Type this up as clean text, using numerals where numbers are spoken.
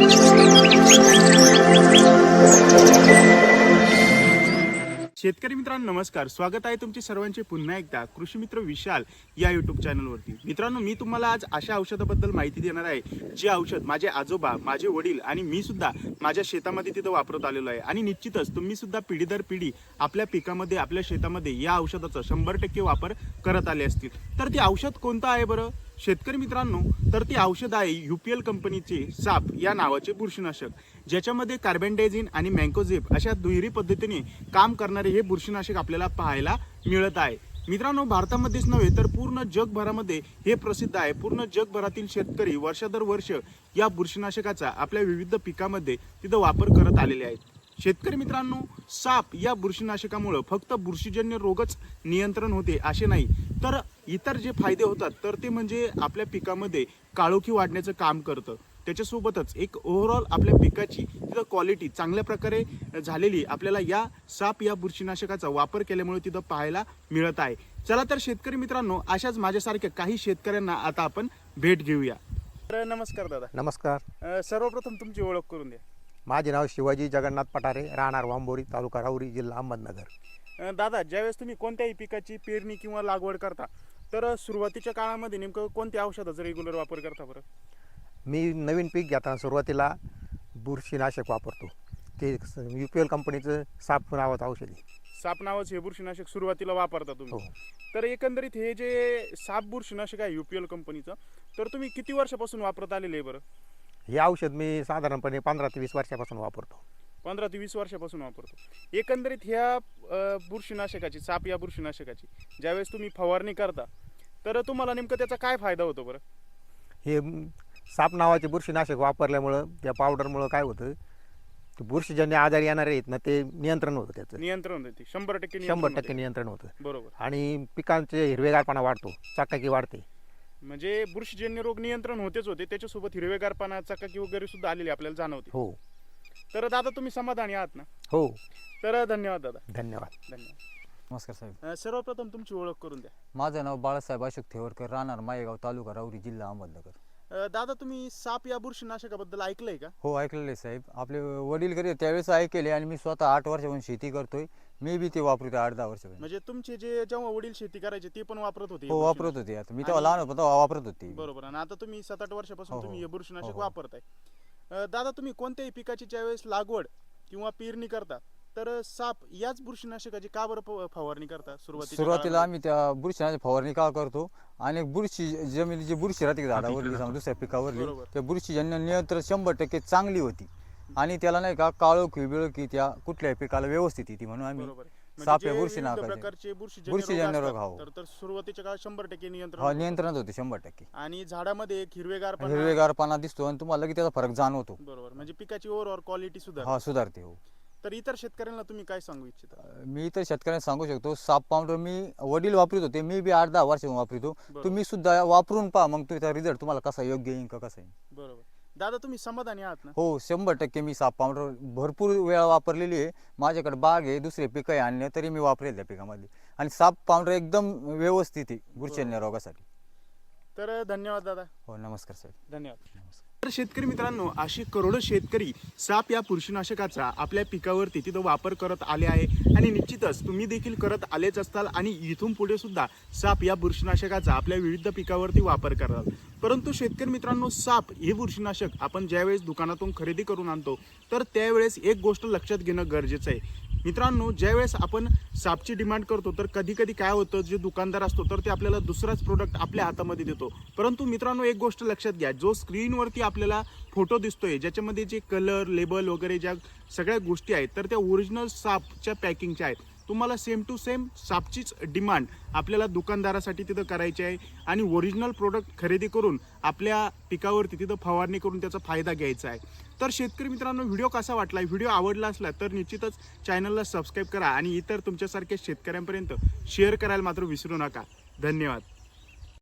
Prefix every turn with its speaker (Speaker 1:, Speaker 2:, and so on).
Speaker 1: शेतकरी मित्रांनो नमस्कार, स्वागत आहे तुमचे सर्वांचे पुन्हा एकदा कृषी मित्र विशाल या यूट्यूब चॅनलवरती। मित्रांनो, मी तुम्हाला आज अशा औषधाबद्दल माहिती देणार आहे जे औषध माझे आजोबा, माझे वडील आणि मी सुद्धा माझ्या शेतामध्ये तिथं वापरत आलेलो आहे। आणि निश्चितच तुम्ही सुद्धा पिढी दर पिढी आपल्या पिकामध्ये, आपल्या शेतामध्ये या औषधाचा 100% वापर करत आले असतील। तर ते औषध कोणतं आहे बरं शेतकरी मित्रांनो? तर ते औषध आहे UPL कंपनीचे साप या नावाचे बुरशीनाशक, ज्याच्यामध्ये कार्बेंडाझिम आणि मँकोझेब अशा दुहेरी पद्धतीने काम करणारे हे बुरशीनाशक आपल्याला पाहायला मिळत आहे। मित्रांनो, भारतामध्येच नव्हे तर पूर्ण जगभरामध्ये हे प्रसिद्ध आहे। पूर्ण जगभरातील शेतकरी वर्षादरवर्ष या बुरशीनाशकाचा आपल्या विविध पिकामध्ये तिथं वापर करत आलेले आहेत। शेतकरी मित्रांनो, साप या बुरशीनाशकामुळे फक्त बुरशीजन्य रोगच नियंत्रण होते असे नाही, तर इतर जे फायदे होतात तर ते म्हणजे आपल्या पिकामध्ये काळोखी वाढण्याचं काम करतं। त्याच्यासोबतच एक ओव्हरऑल आपल्या पिकाची तिथं क्वालिटी चांगल्या प्रकारे झालेली आपल्याला या साप या बुरशीनाशकाचा वापर केल्यामुळे तिथं पाहायला मिळत आहे। चला तर शेतकरी मित्रांनो, अशाच माझ्यासारख्या काही शेतकऱ्यांना आता आपण भेट घेऊया। तर नमस्कार दादा।
Speaker 2: नमस्कार।
Speaker 1: सर्वप्रथम तुमची ओळख करून द्या।
Speaker 2: माझे नाव शिवाजी जगन्नाथ पठारे, राहणार वांबोरी, तालुका राहुरी, जिल्हा अहमदनगर।
Speaker 1: दादा, ज्यावेळेस तुम्ही कोणत्याही पिकाची पेरणी किंवा लागवड करता तर सुरुवातीच्या काळामध्ये नेमकं कोणत्या औषधाचा रेग्युलर वापर करता बरं?
Speaker 2: मी नवीन पीक घेताना सुरुवातीला बुरशीनाशक वापरतो, ते UPL कंपनीचं साप नावाचं औषध आहे।
Speaker 1: साप नावाचे हे बुरशीनाशक सुरुवातीला वापरता तुम्ही?
Speaker 2: हो।
Speaker 1: तर एकंदरीत हे जे साप बुरशीनाशक आहे UPL कंपनीचं, तर तुम्ही किती वर्षापासून वापरत आलेले आहे बरं?
Speaker 2: हे औषध मी साधारणपणे 15 ते 20 वर्षापासून वापरतो।
Speaker 1: 15 ते 20 वर्षापासून वापरतो। एकंदरीत ह्या बुरशीनाशकाची, साप या बुरशीनाशकाची ज्यावेळेस तुम्ही फवारणी करता तर तुम्हाला नेमकं त्याचा काय फायदा होतो बरं?
Speaker 2: हे साप नावाचे बुरशीनाशक वापरल्यामुळं, त्या पावडरमुळं काय होतं, ते बुरशीजन्य आजार येणारे आहेत ना, ते नियंत्रण होतं, त्याचं
Speaker 1: नियंत्रण होते 100%
Speaker 2: 100% नियंत्रण होतं।
Speaker 1: बरोबर।
Speaker 2: आणि पिकांचे हिरवेगारपणा वाढतो, चकाकी वाढते।
Speaker 1: म्हणजे बुरशीजन्य रोग नियंत्रण होते, त्याच्यासोबत हिरवेगारपणा, चकाकी वगैरे सुद्धा आलेली आपल्याला जाणवते।
Speaker 2: हो।
Speaker 1: तर दादा, तुम्ही समाधानी आहात ना?
Speaker 2: हो।
Speaker 1: तर धन्यवाद दादा।
Speaker 2: धन्यवाद।
Speaker 3: नमस्कार साहेब।
Speaker 1: सर्वप्रथम तुमची ओळख करून द्या।
Speaker 3: माझं नाव बाळासाहेब अशोक थेवरकर, राहणार मायेगाव, तालुका राहुरी, जिल्हा अहमदनगर।
Speaker 1: दादा, तुम्ही साप या बुरशीनाशकाबद्दल ऐकलंय का?
Speaker 3: हो, ऐकलेलं आहे साहेब। आपले वडील करत त्यावेळेस ऐकले आणि मी स्वतः 8 वर्षापासून शेती करतोय, मी बी ते वापरतो 8-10 वर्षापासून।
Speaker 1: म्हणजे तुमचे जे जेव्हा वडील शेती करायचे ते पण वापरत होते?
Speaker 3: हो, वापरत होते। आता मी तेव्हा लहान होतो तेव्हा वापरत होते।
Speaker 1: बरोबर। आणि आता तुम्ही 7-8 वर्षापासून तुम्ही हे बुरशीनाशक
Speaker 3: हो.
Speaker 1: वापरताय। दादा, तुम्ही कोणत्याही पिकाची ज्यावेळेस लागवड किंवा पेरणी करता तर साप याच बुरशीनाशकाची का बरं फवारणी करता
Speaker 3: सुरुवातीला? आम्ही त्या बुरशीनाशक फवारणी का करतो, आणि बुरशी जमिनी जी बुरशी राहते झाडावरली, दुसऱ्या पिकावरली, त्या बुरशीजन्य नियंत्रण 100% चांगली होती। आणि त्याला नाही का काळोखी बिळोखी त्या कुठल्याही पिकाला व्यवस्थित येते, म्हणून आम्ही साप या
Speaker 1: प्रकारचे
Speaker 3: बुरशीजन्य रोग
Speaker 1: तर सुरुवातीच्या काळात 100% नियंत्रण
Speaker 3: नियंत्रण होते 100%।
Speaker 1: आणि झाडामध्ये एक
Speaker 3: हिरवेगारपणा दिसतो आणि तुम्हाला लगेच त्याचा फरक जाणवतो।
Speaker 1: बरोबर। म्हणजे पिकाची ओव्हरऑल क्वालिटी
Speaker 3: सुधारते। हो।
Speaker 1: तर इतर शेतकऱ्यांना तुम्ही काय सांगू इच्छिता?
Speaker 3: मी तर शेतकऱ्यांना सांगू शकतो, साप पावडर मी वडील वापरत होते, मी बी 8-10 वर्षापासून वापरतो। तुम्ही सुद्धा वापरून पहा, मग त्याचा रिझल्ट तुम्हाला कसा योग्य येईल का कसा येईल।
Speaker 1: बरोबर। दादा, तुम्ही समाधानी आहात ना?
Speaker 3: हो, 100% मी साप पावडर भरपूर वेळा वापरलेली आहे। माझ्याकडे बाग आहे, दुसरे पिकं आणले तरी मी वापरेल त्या पिकामध्ये, आणि साप पावडर एकदम व्यवस्थित आहे बुरशीजन्य रोगासाठी।
Speaker 1: तर धन्यवाद दादा।
Speaker 3: हो, नमस्कार साहेब।
Speaker 1: धन्यवाद। तर शेतकरी मित्रांनो, अशी करोडो शेतकरी साप या बुरशीनाशकाचा आपल्या पिकावरती तिथं वापर करत आले आहे, आणि निश्चितच तुम्ही देखील करत आलेच असताल, आणि इथून पुढे सुद्धा साप या बुरशीनाशकाचा आपल्या विविध पिकावरती वापर कराल। परंतु शेतकरी मित्रांनो, साप हे बुरशीनाशक आपण ज्यावेळेस दुकानातून खरेदी करून आणतो तर त्यावेळेस एक गोष्ट लक्षात घेणं गरजेचं आहे। मित्रांनो, ज्यावेळेस आपण सापची डिमांड करतो तर कधी कधी काय होतं, जे दुकानदार असतो तर ते आपल्याला दुसराच प्रोडक्ट आपल्या हातामध्ये देतो। परंतु मित्रांनो, एक गोष्ट लक्षात घ्या, जो स्क्रीनवरती आपल्याला फोटो दिसतोय, ज्याच्यामध्ये जे कलर, लेबल वगैरे ज्या सगळ्या गोष्टी आहेत तर त्या ओरिजिनल सापच्या पॅकिंगच्या आहेत। तुम्हाला सेम टू सेम सापचीच डिमांड आपल्याला दुकानदारासाठी तिथं करायची आहे, आणि ओरिजिनल प्रोडक्ट खरेदी करून आपल्या पिकावरती तिथं फवारणी करून त्याचा फायदा घ्यायचा आहे। तर शेतकरी मित्रांनो, व्हिडिओ कसा वाटला? व्हिडिओ आवडला असला तर निश्चितच चॅनलला सबस्क्राईब करा, आणि इतर तुमच्यासारख्या शेतकऱ्यांपर्यंत शेअर करायला मात्र विसरू नका। धन्यवाद।